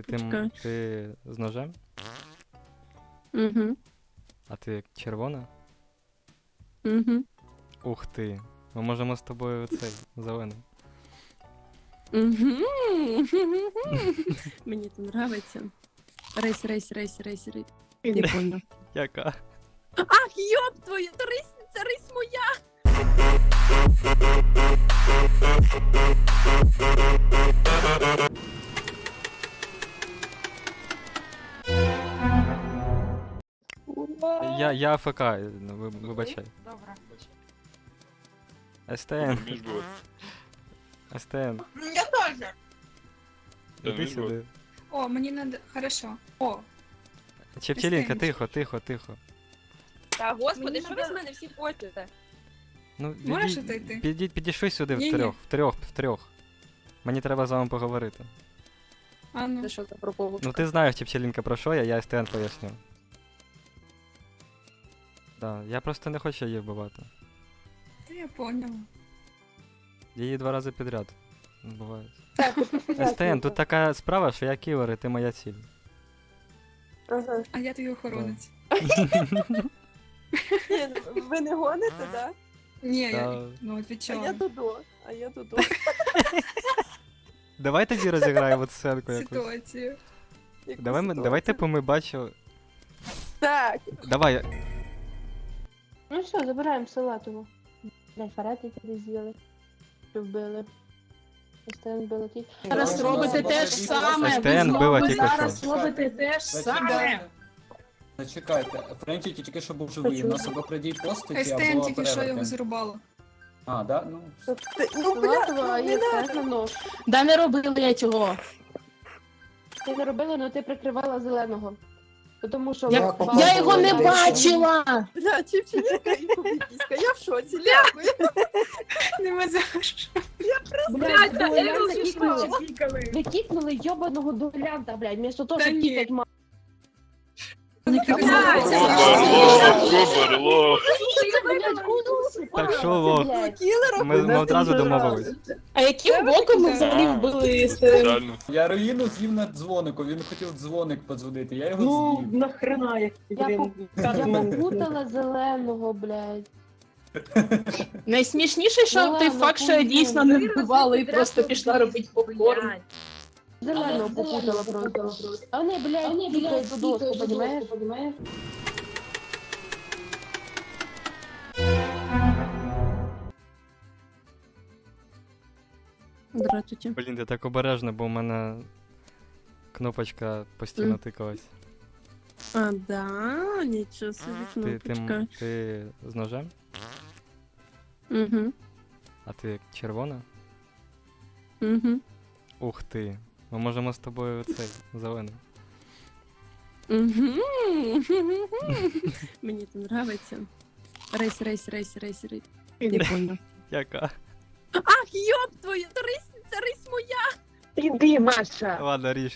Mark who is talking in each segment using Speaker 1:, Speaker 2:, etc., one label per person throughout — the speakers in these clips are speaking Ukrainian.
Speaker 1: Почекай.
Speaker 2: ти з ножем?
Speaker 1: Угу.
Speaker 2: А ти червона?
Speaker 1: Угу.
Speaker 2: Ух ти. Ми можемо з тобою цей зелений.
Speaker 1: Угу. Мені це нравиться. Рейс. Не понял.
Speaker 2: Яка?
Speaker 1: Ах, ёб твою, це рись моя!
Speaker 2: Я АФК, вибачай.
Speaker 3: Добре.
Speaker 2: СТН.
Speaker 4: Між було.
Speaker 2: СТН.
Speaker 3: Я теж.
Speaker 2: Іди
Speaker 4: між було.
Speaker 2: сюди.
Speaker 3: О, мені надо. Хорошо. О,
Speaker 2: Чепчелінка,
Speaker 3: Стенечка.
Speaker 2: тихо.
Speaker 5: Та господи,
Speaker 3: Мені
Speaker 5: що ви
Speaker 3: надо-
Speaker 5: з мене всі хочете?
Speaker 2: Ну,
Speaker 3: Можеш отойти?
Speaker 2: підійшли сюди
Speaker 3: Ні-ні.
Speaker 2: втрьох. Мені треба з вами поговорити.
Speaker 3: а ну.
Speaker 5: Це що за проповушка?
Speaker 2: Ну ти знаєш, Чепчелінка, про що я СТН поясню. Да, я просто не хочу її вбивати.
Speaker 3: Я поняла.
Speaker 2: Її 2 рази підряд вбивають. СТН, тут така справа, що я кілер, і ти моя ціль.
Speaker 3: А я твій охоронець.
Speaker 6: Ви не гоните, так?
Speaker 3: Ні, я,
Speaker 2: Та-
Speaker 3: ну
Speaker 6: А я
Speaker 3: відвічала.
Speaker 6: Додо.
Speaker 2: Давай тоді розіграємо сценку якусь.
Speaker 3: Ситуацію.
Speaker 2: Давай типу ми бачили.
Speaker 6: Так.
Speaker 2: Давай,
Speaker 6: Ну що, забираємо салатову. Фарет, який з'їли. Що вбили. СТН вбили ті.
Speaker 1: Зараз робите те ж саме.
Speaker 2: СТН била тільки
Speaker 1: зараз
Speaker 2: що.
Speaker 1: робите те ж саме.
Speaker 7: Зачекайте, Френчі тільки що був живий, у нас або придій постаті,
Speaker 3: СТН
Speaker 7: або
Speaker 3: тільки що його
Speaker 7: перевертень.
Speaker 3: зарубало.
Speaker 7: А, да? Ну,
Speaker 6: Салатова, а є СТН на нож.
Speaker 1: Да не робили я цього.
Speaker 6: Ти не робила, але ти прикривала зеленого. Тому що...
Speaker 1: Я його не бачила.
Speaker 6: Бля, чіпченька і кубікіська, я в шоці, дякую.
Speaker 3: Нема за що.
Speaker 6: Блядь,
Speaker 5: та Ерл
Speaker 6: дуелянта кікнули. Ви кікнули йобаного дуелянта, блядь, вместо того,
Speaker 3: Та
Speaker 6: щоб
Speaker 3: ні.
Speaker 6: кікать ма...
Speaker 4: Боберло.
Speaker 6: Блядь, куди?
Speaker 2: Так що, лох? Ми одразу домовились.
Speaker 1: А яким боком ми взагалі вбили СТН?
Speaker 4: Реально.
Speaker 7: я руїну з'їв на дзвонику, він хотів дзвоник подзвонити, я його
Speaker 8: Ну,
Speaker 7: з'їв.
Speaker 8: нахрена, як ти,
Speaker 6: Я
Speaker 8: блін,
Speaker 6: Я попутала зеленого, блядь.
Speaker 1: Найсмішніше, що
Speaker 6: Ну
Speaker 1: той
Speaker 6: ладно,
Speaker 1: факт, що я
Speaker 6: хуйня.
Speaker 1: дійсно не вбивала і просто пішла робити попкорн.
Speaker 6: Зеленого попутала просто. А вони, блядь, тікають до доску, понімаєш?
Speaker 1: Здравствуйте.
Speaker 2: Блін, ти так обережно, бо в мене кнопочка постійно тикалась.
Speaker 1: А, да, нічого собі кнопочка.
Speaker 2: Ти з ножем?
Speaker 1: Угу,
Speaker 2: А ти червона?
Speaker 1: угу,
Speaker 2: Ух ти. Ми можемо з тобою цей зелений.
Speaker 1: угу. Мені це нравиться. Рейс. Не понял.
Speaker 2: Яка?
Speaker 1: Ах, ёб твою, це рись моя!
Speaker 8: Іди, Маша.
Speaker 2: Ладно, ріж.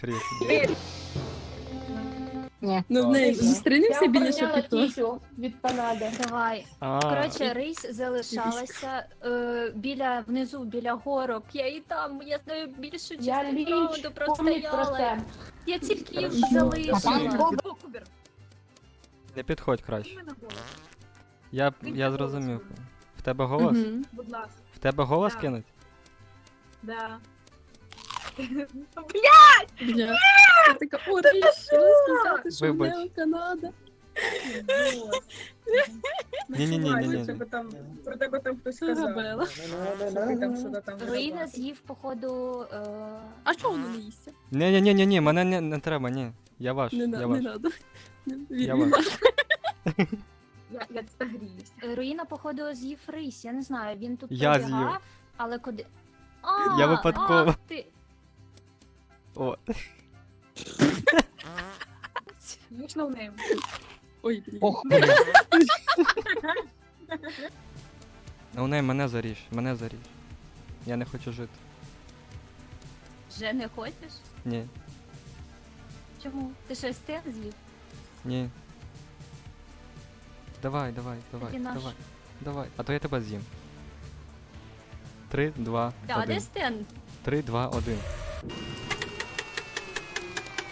Speaker 1: Ну, в неї зустрінемося біля шапіто.
Speaker 6: Тісю від Канади.
Speaker 5: Давай.
Speaker 2: А,
Speaker 5: Коротше, рейс залишалася внизу, біля горок. Я і там, я знаю більшу
Speaker 6: Я
Speaker 5: частину
Speaker 6: ліч,
Speaker 5: раунду
Speaker 6: помніть про
Speaker 5: простояла.
Speaker 6: це.
Speaker 5: Я тільки їх
Speaker 2: Хорошо.
Speaker 5: залишила.
Speaker 2: не підходь краще. Я зрозумів. В тебе голос?
Speaker 1: Мгм.
Speaker 5: Будь ласка.
Speaker 2: В тебе голос
Speaker 5: Да.
Speaker 2: кинуть?
Speaker 5: Да.
Speaker 1: Бля. Я така, о, рейс, сказати, що в
Speaker 2: Вибач.
Speaker 1: неї Канада.
Speaker 2: Ні-ні-ні.
Speaker 8: Про тебе там хтось
Speaker 1: Габела.
Speaker 5: Руїна з'їв, походу,
Speaker 1: А чого воно не їсться?
Speaker 2: Ні, мене не треба, ні. Я ваш,
Speaker 1: Не
Speaker 2: я
Speaker 1: надо.
Speaker 2: ваш. Я
Speaker 1: Він
Speaker 2: ваш.
Speaker 5: Руїна, походу, з'їв рись. Я не знаю, він тут
Speaker 2: Я
Speaker 5: пробігав,
Speaker 2: з'їв.
Speaker 5: але куди...
Speaker 2: Я випадково.
Speaker 5: Ах ти.
Speaker 2: О,
Speaker 1: Ой, блін.
Speaker 2: ну не, мене заріж. Я не хочу жити.
Speaker 5: Вже не хочеш?
Speaker 2: Ні,
Speaker 5: Чому? Ти щось те з'їв?
Speaker 2: ні. Давай.
Speaker 5: Тоді наш.
Speaker 2: Давай. А то я тебе з'їм. 3, 2,
Speaker 5: Да, де
Speaker 2: 1.
Speaker 5: Стен?
Speaker 2: 3, 2, 1.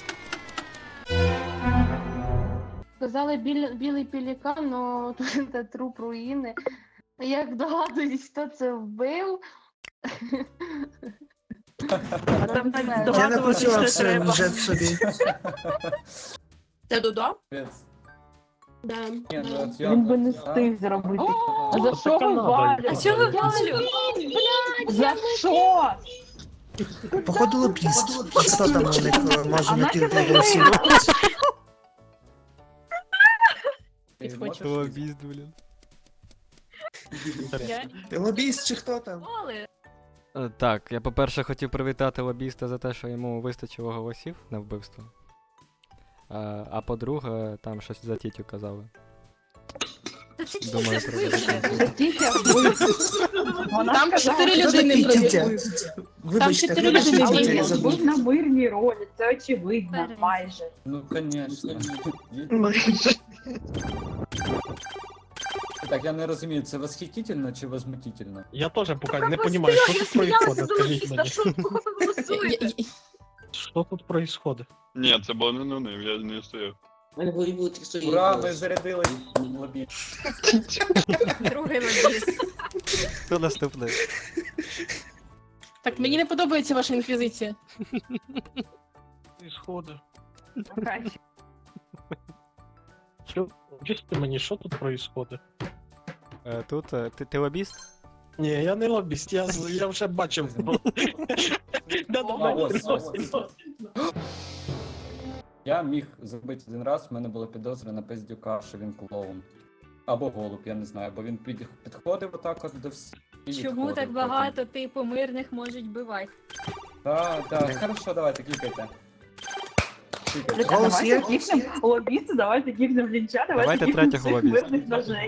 Speaker 6: Сказали білий пелікан, но тут це труп руїни. Як догадуюсь, хто це вбив.
Speaker 1: А там так
Speaker 6: Я
Speaker 4: Я не
Speaker 1: здогадуватися,
Speaker 4: працював
Speaker 1: що
Speaker 4: все
Speaker 1: треба.
Speaker 4: вже собі.
Speaker 1: Це Дудо?
Speaker 7: Капець.
Speaker 1: Да.
Speaker 7: Ні, ну от я-
Speaker 6: Він би не
Speaker 7: а?
Speaker 6: встиг зробити.
Speaker 7: А,
Speaker 6: За що ви валю?
Speaker 5: А чого Валю?
Speaker 6: За що?
Speaker 4: Походу лобіст. Хто там у них може на кілька голосів?
Speaker 7: Ти можеш
Speaker 2: Лобіст, блін.
Speaker 4: Ти лобіст чи хто там?
Speaker 5: Воли.
Speaker 2: Так, я по-перше хотів привітати лобіста за те, що йому вистачило голосів на вбивство. А по-друге, там щось за тітю казали.
Speaker 5: Та це
Speaker 2: Думаю,
Speaker 5: тіся
Speaker 2: треба.
Speaker 8: Там 4
Speaker 4: Хто
Speaker 8: людини
Speaker 4: такий Тітя?
Speaker 8: пройшли.
Speaker 4: Вибачте,
Speaker 8: чотири
Speaker 4: вибачте,
Speaker 8: людини
Speaker 4: Тітя,
Speaker 8: були.
Speaker 4: я
Speaker 8: Був
Speaker 4: забув.
Speaker 8: на мирній ролі, це очевидно,
Speaker 5: Перед.
Speaker 8: майже.
Speaker 7: Ну, конечно.
Speaker 4: Майже.
Speaker 7: Так, я не розумію, це восхитительно чи возмутительно?
Speaker 9: Я тоже пока не понимаю, что тут происходит, скажите мне. Что тут происходит?
Speaker 10: Ні, це було не ним, я не стояв.
Speaker 7: Ура, ми зарядили лобі.
Speaker 5: Другий лобіст.
Speaker 2: Хто наступний?
Speaker 8: Так, мені не подобається ваша інквізиція.
Speaker 9: Происходит. Что, объясните мне, что тут происходит?
Speaker 2: Тут ти лобіст?
Speaker 9: Не, я не лобіст, я вже бачив.
Speaker 7: Я міг зробити один раз, в мене була підозра на Пиздюка, що він клоун. Або голуб, я не знаю, бо він підходив отак от до всіх. і
Speaker 5: Чому
Speaker 7: відходив
Speaker 5: так
Speaker 7: потім.
Speaker 5: багато типу мирних можуть бивати?
Speaker 7: Так, хорошо, давайте, клікайте. Клікайте.
Speaker 4: Голос є?
Speaker 8: Лобісти, давайте кікнем лінча,
Speaker 2: Давайте третього лобіста.
Speaker 8: мирних ножей.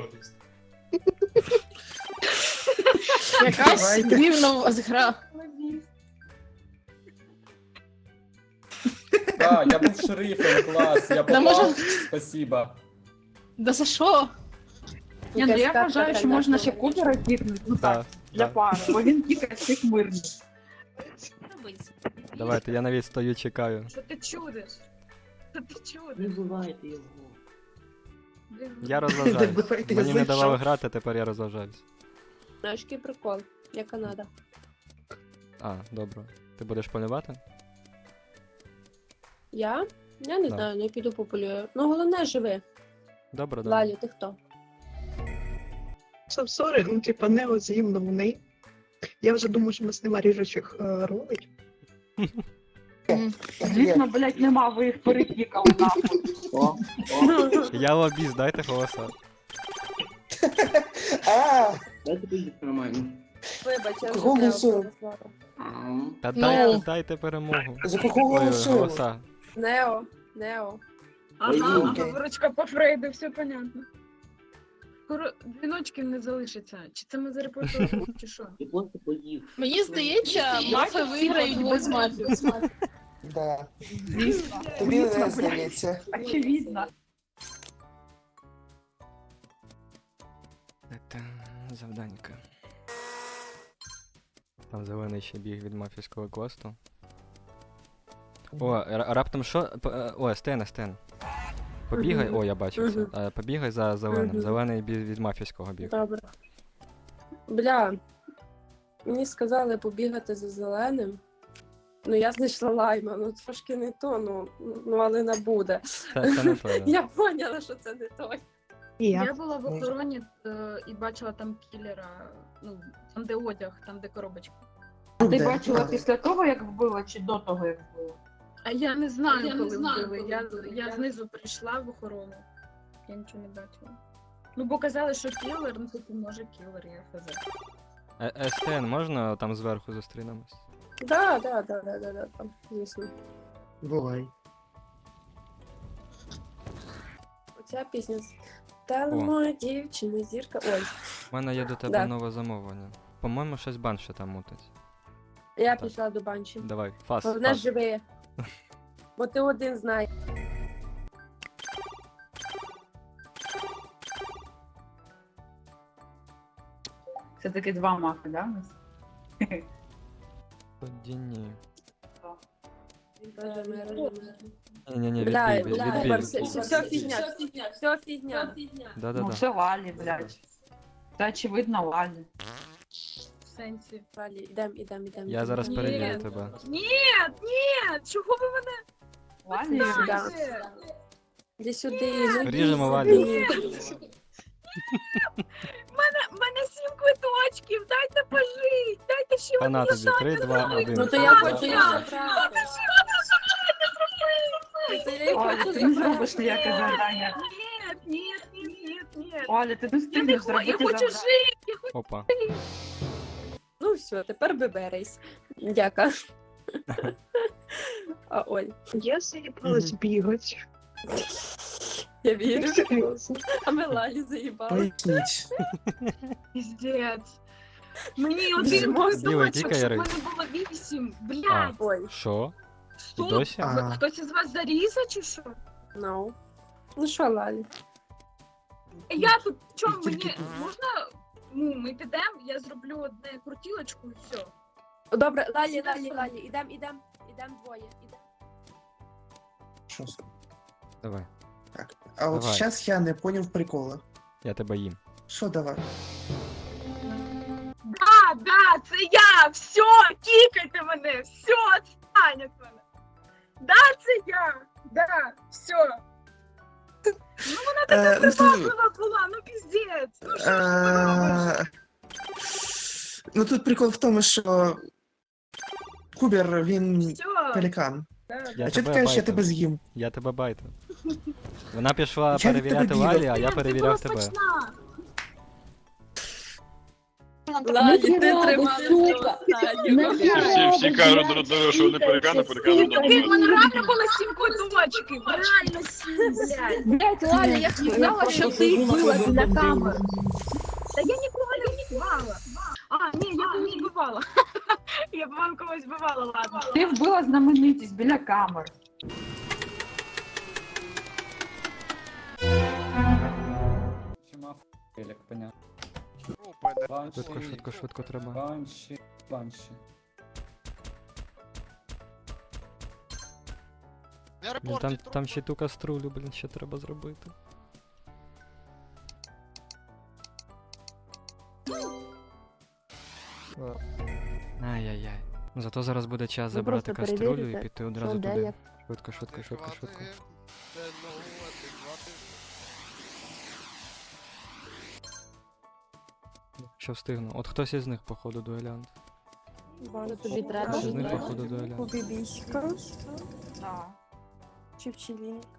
Speaker 8: Якась дивна у вас гра.
Speaker 7: Так, я був шерифом, клас, я
Speaker 8: Да, може-
Speaker 7: попав, спасибо.
Speaker 8: Да за що?
Speaker 1: Ні, ну я вважаю, що можна ще Купера кікнути, ну так,
Speaker 2: Так.
Speaker 1: для пари, бо він кікає всіх мирних.
Speaker 5: Робить.
Speaker 2: Давайте, я навіть стою, чекаю.
Speaker 3: Що ти чудиш? Що ти чудиш?
Speaker 8: Не бувайте його.
Speaker 2: Я розважаюсь.
Speaker 4: Давайте,
Speaker 2: Мені
Speaker 4: я
Speaker 2: не давали
Speaker 4: зайшов.
Speaker 2: грати, тепер я розважаюсь.
Speaker 1: Знаєш, який прикол, я Канада.
Speaker 2: А, добре. Ти будеш полювати?
Speaker 1: Я? Я не
Speaker 2: Да.
Speaker 1: знаю, не піду пополюю. Ну головне живи.
Speaker 2: Добре, добре.
Speaker 1: Лалю, ти хто?
Speaker 4: Сорі, ну типа не взаємно вони. Я вже думаю, що у нас нема ріжучих ролей.
Speaker 8: Звісно, блядь, нема, ви їх перекікали нахуй.
Speaker 2: Я лобіст, дайте голоса.
Speaker 1: Вибач, я вже
Speaker 4: Голосую.
Speaker 1: тебе
Speaker 2: Та
Speaker 8: Ну.
Speaker 2: дайте перемогу.
Speaker 4: За кого
Speaker 2: Ой,
Speaker 4: голосую?
Speaker 2: голоса.
Speaker 1: Нео.
Speaker 3: Ага,
Speaker 4: окей.
Speaker 3: виручка по Фрейду, все понятно. Скоро дзвіночків не залишиться. Чи це ми зарепортували, чи що?
Speaker 8: Мені здається, мафи виграють без мафів.
Speaker 4: Да. Тобі не здається.
Speaker 8: Очевидно.
Speaker 2: Це завданька. Там зелений ще біг від мафійського квесту. О, раптом що? О, Стен. Побігай, о, я бачив це. Побігай за зеленим.
Speaker 1: Мгм.
Speaker 2: Зелений від мафійського біг.
Speaker 1: Добре. Бля, мені сказали побігати за зеленим. Ну я знайшла лайма, ну трошки не то, ну але не буде.
Speaker 2: Це не то, да.
Speaker 1: Я поняла, що це не той.
Speaker 3: Я була в охороні і бачила там кілера, ну, там де одяг, там де коробочка.
Speaker 8: Ти
Speaker 4: Де?
Speaker 8: бачила після того, як вбила, чи до того, як вбила?
Speaker 3: А я не знаю, коли вбили. Я знизу прийшла в охорону. Я нічого не бачила. Ну, бо казали, що кілер, ну типу, може кілер, я хз.
Speaker 2: Стен, можна там зверху зустрінемось?
Speaker 1: Да, там, звісно.
Speaker 4: Бувай.
Speaker 1: Оця пісня. Стала моя дівчина, зірка. Ой,
Speaker 2: У мене є до тебе
Speaker 1: Да.
Speaker 2: нове замовлення. По-моєму, щось банше там мутить.
Speaker 1: я
Speaker 2: Так.
Speaker 1: пішла до банчі.
Speaker 2: Давай, фас.
Speaker 1: Головне живи. Бо ти один знаєш.
Speaker 8: Все-таки два мафи, да? у нас?
Speaker 2: Тоді ні.
Speaker 1: Боже, мир.
Speaker 2: Ні-ні-ні,
Speaker 1: Бля,
Speaker 2: відбій,
Speaker 1: бля,
Speaker 2: відбій.
Speaker 1: все фігня, все фігня.
Speaker 2: Да-да-да.
Speaker 11: все Лалі, блядь. Це очевидно Лалі.
Speaker 3: В сенсі.
Speaker 1: Валі, ідем.
Speaker 2: Я зараз
Speaker 3: Ні.
Speaker 2: перевірю тебе.
Speaker 3: Ні, чого ви мене
Speaker 11: Лалі,
Speaker 3: знаєте?
Speaker 1: Іди сюди, ну
Speaker 2: Ріжемо
Speaker 1: іди
Speaker 2: Валю.
Speaker 1: сюди.
Speaker 3: В мене 7 квиточків, дайте пожить, дайте ще
Speaker 2: Хана тобі, 3, 2, 1.
Speaker 1: Ну то я хочу їх забрати. То я їх
Speaker 11: Оля,
Speaker 1: хочу
Speaker 11: ти не
Speaker 1: забрати.
Speaker 11: зробиш ніяке завдання.
Speaker 3: Ні.
Speaker 11: Оля, ти не
Speaker 3: Я
Speaker 11: встигнеш
Speaker 3: я
Speaker 11: зробити
Speaker 3: хочу
Speaker 11: завдання.
Speaker 3: жити.
Speaker 2: Опа.
Speaker 1: Ну все, тепер виберись. Дяка. А Оль,
Speaker 4: Я заїбалась бігати.
Speaker 1: я вірю.
Speaker 4: Серйозно.
Speaker 1: А ми Лалі заїбали.
Speaker 9: Поясніть.
Speaker 3: Піздець. Мені один
Speaker 2: Діва,
Speaker 3: квиточок,
Speaker 2: тікай,
Speaker 3: щоб в
Speaker 2: Рей.
Speaker 3: мене було 8.
Speaker 2: А,
Speaker 3: Блядь,
Speaker 1: Ой,
Speaker 2: що? І
Speaker 3: стоп.
Speaker 2: досі?
Speaker 9: А.
Speaker 3: Хтось із вас зарізав чи що?
Speaker 1: no. Ну що, Лалі?
Speaker 3: Я тут, чому
Speaker 9: І тільки
Speaker 3: мені, можна, ну, ми підемо, я зроблю одне крутілочку і все.
Speaker 1: Добре, Лалі, ідем двоє. Ідем.
Speaker 9: Що?
Speaker 2: Давай,
Speaker 9: А от
Speaker 2: Давай.
Speaker 9: зараз я не поняв прикола.
Speaker 2: я тебе їм.
Speaker 9: Що давай?
Speaker 3: Да, це я, все, кікайте мене, все, відстань від мене. Да, це я, да, все. Ну вона така
Speaker 9: Ну, ти-
Speaker 3: приваблива була, ну піздець. Ну що ж ви робите?
Speaker 9: Ну тут прикол в тому, що Кубер, він
Speaker 3: Все,
Speaker 9: пелікан.
Speaker 2: Я
Speaker 9: А чого ти
Speaker 2: тебе
Speaker 9: кажеш, я
Speaker 2: байтив.
Speaker 9: тебе з'їм?
Speaker 2: Я тебе байтив. Вона пішла
Speaker 9: Я від
Speaker 2: перевіряти
Speaker 9: тебе
Speaker 2: Лалі,
Speaker 9: бігав.
Speaker 2: а я
Speaker 3: це
Speaker 2: перевіряв
Speaker 3: була
Speaker 2: тебе.
Speaker 3: смачна.
Speaker 1: Лалі, ти
Speaker 6: треба,
Speaker 1: тримала
Speaker 6: сука.
Speaker 10: Всі кажуть друг другу, що вони перекани, перекани друг
Speaker 3: Ти в мене
Speaker 10: друга.
Speaker 3: реально було 7 квиточків, реально 7, блядь.
Speaker 6: Блять, Ладно, я сказала, що ти била біля камер.
Speaker 3: Та я нікого не вбивала. А, ні, я когось вбивала. Я б вам когось вбивала, ладно.
Speaker 11: Ти вбила знаменитість біля камер.
Speaker 7: Чи мав як понятно.
Speaker 2: Швидко треба.
Speaker 7: Банші.
Speaker 2: Блін, там ще ту каструлю, блін, ще треба зробити. Ай-яй-яй. Ну, зато зараз буде час
Speaker 6: Ви
Speaker 2: забрати
Speaker 6: просто
Speaker 2: каструлю і
Speaker 6: перевірите,
Speaker 2: піти
Speaker 6: Що
Speaker 2: одразу
Speaker 6: де
Speaker 2: туди.
Speaker 6: як.
Speaker 2: Швидко. Що встигну? От хтось із них, походу, дуелянт.
Speaker 6: Що тобі треба?
Speaker 2: Хтось із них, походу, дуелянт.
Speaker 1: Побібіська,
Speaker 11: Так.
Speaker 1: чи пчелінка.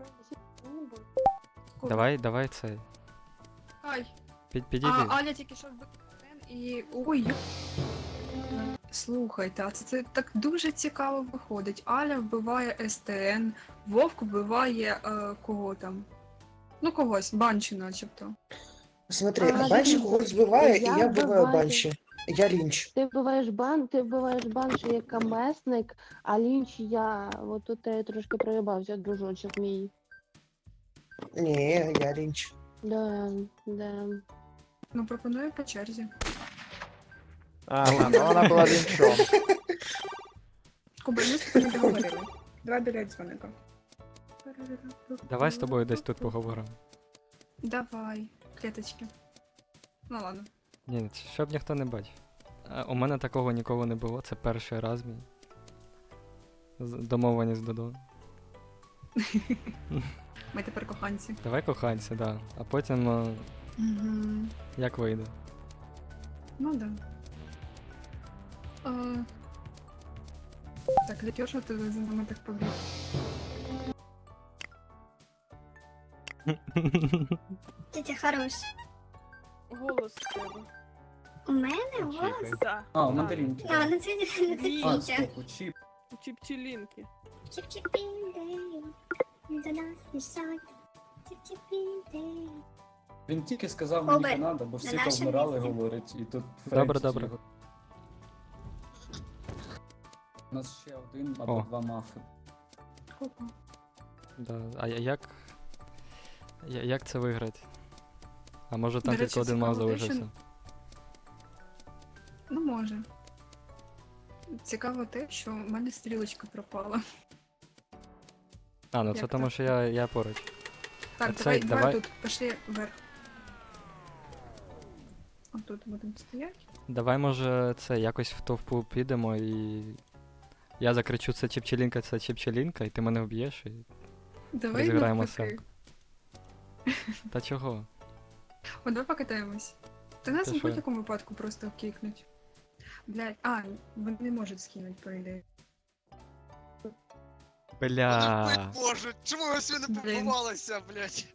Speaker 2: Давай цей.
Speaker 3: Ай,
Speaker 2: Підійди.
Speaker 3: Аля тільки що вбив і... Ой, слухайте, а це так дуже цікаво виходить. Аля вбиває СТН, Вовк вбиває кого там? Ну когось, Банші начебто.
Speaker 9: Смотри,
Speaker 6: А,
Speaker 9: Банші
Speaker 6: дивіться,
Speaker 9: когось збиває, і
Speaker 6: я
Speaker 9: я вбиваю
Speaker 6: вбиваю.
Speaker 9: Банші. Я лінч.
Speaker 6: Ти вбиваєш банші як камесник, а лінч я. От тут я трошки проїбався, дружочок мій.
Speaker 9: Ні, я лінч.
Speaker 6: Да.
Speaker 3: Ну пропоную по черзі.
Speaker 12: Ага, ну вона була лінчом.
Speaker 3: Куба, ми з тобою не договорили. Давай біля дзвоника.
Speaker 2: Давай з тобою десь тут поговоримо.
Speaker 3: Давай, клеточки. Ну ладно.
Speaker 2: Ні, щоб ніхто не бачив. У мене такого ніколи не було, це перший раз мій. Домовленість Додо.
Speaker 3: Ми тепер коханці.
Speaker 2: Давай коханці, да. А потім
Speaker 3: Угу.
Speaker 2: як вийде.
Speaker 3: Ну да. Так, ліпьо, що ти за нами так побіг?
Speaker 5: Тетя хорош.
Speaker 1: Голос в тебе.
Speaker 5: У мене голос?
Speaker 7: А, у мандаринки.
Speaker 5: А, ну це не
Speaker 7: А,
Speaker 5: Тетя.
Speaker 7: стоп, у чіп.
Speaker 1: Чи пчелінки.
Speaker 5: Чіп-чіп-піндей, до нас мішать. Чіп-чіп-піндей.
Speaker 7: Він тільки сказав мені
Speaker 5: Обер.
Speaker 7: Канада, бо всі
Speaker 5: На нашому
Speaker 7: повмирали,
Speaker 5: місці.
Speaker 7: говорить, і тут
Speaker 2: Добре,
Speaker 7: Френч
Speaker 2: добре.
Speaker 7: його. У нас ще один або
Speaker 2: О.
Speaker 7: два мафи.
Speaker 2: Да. А як це виграти? А може там
Speaker 3: До речі,
Speaker 2: тільки один мав
Speaker 3: цікаво те, що-
Speaker 2: залишився?
Speaker 3: Ну, може. Цікаво те, що в мене стрілочка пропала.
Speaker 2: А, ну це
Speaker 3: Як
Speaker 2: тому,
Speaker 3: так?
Speaker 2: що я поруч.
Speaker 3: Так,
Speaker 2: А
Speaker 3: давай,
Speaker 2: цей,
Speaker 3: давай
Speaker 2: давай.
Speaker 3: тут, пішли вверх. Отут будемо стояти.
Speaker 2: Давай, може, це якось в товпу підемо і. Я закричу це Чіпчелінка, і ти мене вб'єш і.
Speaker 3: Давай
Speaker 2: Розіграємо
Speaker 3: навпаки.
Speaker 2: сценку. Та чого?
Speaker 3: О, давай покатаємось. Та нас
Speaker 2: Ти
Speaker 3: в
Speaker 2: що?
Speaker 3: будь-якому випадку просто кикнуть. Блядь, вони не можуть скинути, по ідеї.
Speaker 2: Бля.
Speaker 10: Боже, чому ви всі не
Speaker 3: Блін.
Speaker 10: побувалися, блядь?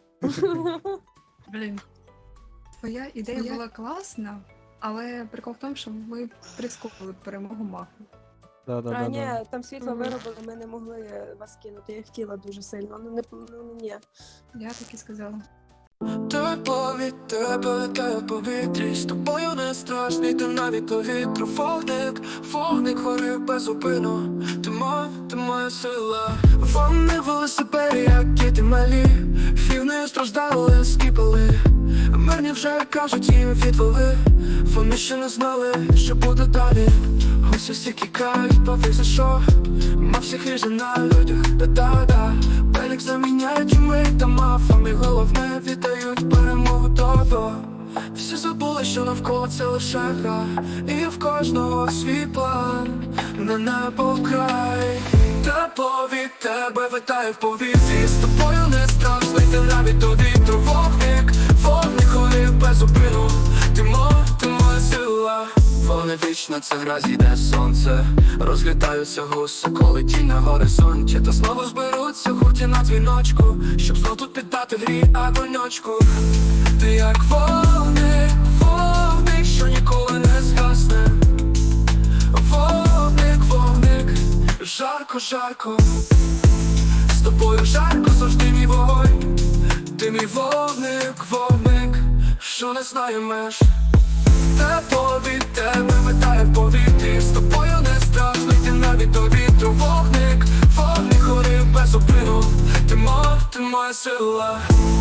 Speaker 3: Блін. Твоя ідея була класна, але прикол в тому, що ми прискорили перемогу мафу.
Speaker 1: А, ні,
Speaker 2: Да.
Speaker 1: там світло виробили, ми не могли вас кинути. Я хотіла дуже сильно, ні.
Speaker 3: Я так і сказала.
Speaker 13: Тепло від тебе летає в повітрі. З тобою не страшний, ти навіть до вітру. Вогник горить безупину. Ти моя сила. Вони велосипеді, як діти малі. Фівни страждали, скіпали. Мирні вже кажуть, їм відвели. Вони ще не знали, що буде далі. Ось усі кікають, пофіг за що. Ма всіх ріже на людях, да-да-да. Пелік заміняють умить та мафами. Головне віддають перемогу до. Всі забули, що навколо це лише гра. І в кожного свій план, на небо край. Тепло від тебе витає в повітрі. З тобою не страшно йти навіть до вітру. Вогник горить безупину. Ти моя сила. Вони вічно, це гра, зійде сонце. Розлітаються гуси, коли тінь на горизонті. Та знову зберуться гурті на дзвіночку, щоб знов тут піддати грі огоньочку. Ти як вогник, що ніколи не згасне. Вогник, жарко. З тобою жарко, завжди мій вогонь. Ти мій вогник, що не знає меж. Тепло від тебе витає в повітрі. З тобою не страшно йти навіть до вітру. Вогник горить безупину. Ти моя сила.